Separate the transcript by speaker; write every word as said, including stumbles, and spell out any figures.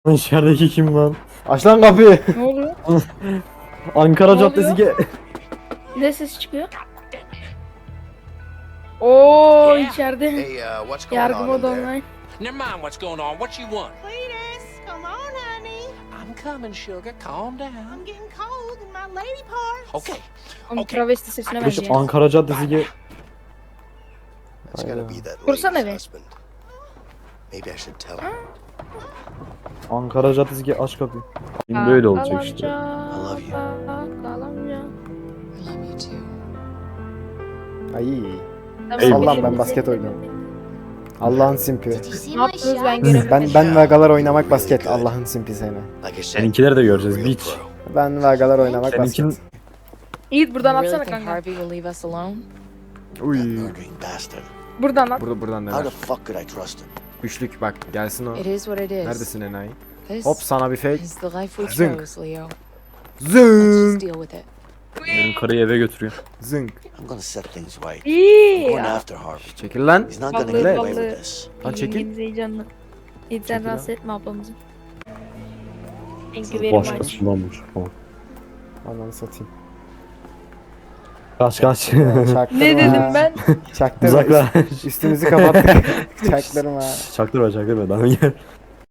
Speaker 1: İçerideki kim lan?
Speaker 2: Aç lan kapıyı.
Speaker 3: Ne oluyor?
Speaker 1: Ankara
Speaker 3: Ne
Speaker 1: Caddesi ge...
Speaker 3: Ne ses çıkıyor? Oo içeride.
Speaker 4: Hey, uh, what's going
Speaker 3: Yargı
Speaker 4: on in
Speaker 3: modu
Speaker 4: there?
Speaker 3: online.
Speaker 5: Never mind what's going on. What you want?
Speaker 6: Cletus, come on, honey.
Speaker 5: I'm coming, sugar. Calm down.
Speaker 6: I'm getting cold in my lady parts.
Speaker 5: Okay.
Speaker 3: Onun
Speaker 5: Okay.
Speaker 3: travesti sesine
Speaker 1: Kardeşim
Speaker 3: benziyor.
Speaker 1: Ankara Caddesi ge...
Speaker 4: That's gotta be that
Speaker 3: Kursana
Speaker 4: lady's
Speaker 3: be.
Speaker 4: husband. Maybe I should tell her.
Speaker 1: Ankara Caddesi ge... Aç kapıyı. Şimdi böyle olacak işte.
Speaker 4: I love you.
Speaker 3: Kalamca.
Speaker 6: I love you too.
Speaker 2: Ay.
Speaker 3: Tamam,
Speaker 2: Allah'ım
Speaker 3: benim-
Speaker 2: ben basket oynuyorum. Allah'ın simpi.
Speaker 6: Did you see
Speaker 3: Ne
Speaker 6: my
Speaker 3: yaptınız ben
Speaker 6: shot?
Speaker 3: göremedim.
Speaker 2: Ben ben vagalar oynamak basket. Allah'ın simpi seni.
Speaker 4: Like I said,
Speaker 1: Seninkileri de göreceğiz.
Speaker 4: real
Speaker 1: Beach.
Speaker 4: pro.
Speaker 2: Ben vagalar oynamak
Speaker 1: Seninkin...
Speaker 2: basket.
Speaker 3: Yiğit buradan
Speaker 7: You really
Speaker 3: atsana
Speaker 7: think
Speaker 3: kanka.
Speaker 7: Harvey will leave us alone?
Speaker 2: Uy.
Speaker 4: That murdering bastard.
Speaker 3: Buradan at.
Speaker 2: Burada buradan
Speaker 4: How the
Speaker 2: neler?
Speaker 4: fuck could I trust him?
Speaker 2: Üçlük bak gelsin o.
Speaker 7: It is what it is.
Speaker 2: Neredesin enayi?
Speaker 7: This
Speaker 2: Hop sana bir fake.
Speaker 7: is the life we
Speaker 2: Zınk.
Speaker 7: chose, Leo. Let's
Speaker 2: Zınk.
Speaker 7: just deal with it.
Speaker 1: Benim karıyı eve götürüyor.
Speaker 2: Zınk.
Speaker 4: I'm gonna set things right. I'm
Speaker 3: İyi.
Speaker 4: going after Harvey.
Speaker 2: Çekil lan.
Speaker 4: He's not gonna
Speaker 3: Vallahi
Speaker 4: get away
Speaker 3: vallahi.
Speaker 4: with this.
Speaker 2: Lan çekil.
Speaker 3: İngiliz heyecanlı. Yiğit sen
Speaker 2: Çekil
Speaker 3: rahatsız
Speaker 2: lan.
Speaker 3: etme ablamızı. Thank you very much.
Speaker 1: Başkası bulanmış. Tamam.
Speaker 2: Ananı satayım.
Speaker 1: Kaç kaç.
Speaker 2: Çaktırma.
Speaker 3: Ne dedim ben?
Speaker 2: Çaktırma.
Speaker 1: Uzaklaş.
Speaker 2: Üstümüzü kapattık. Çaktırma.
Speaker 1: Çaktırma çaktırma. Daha gel.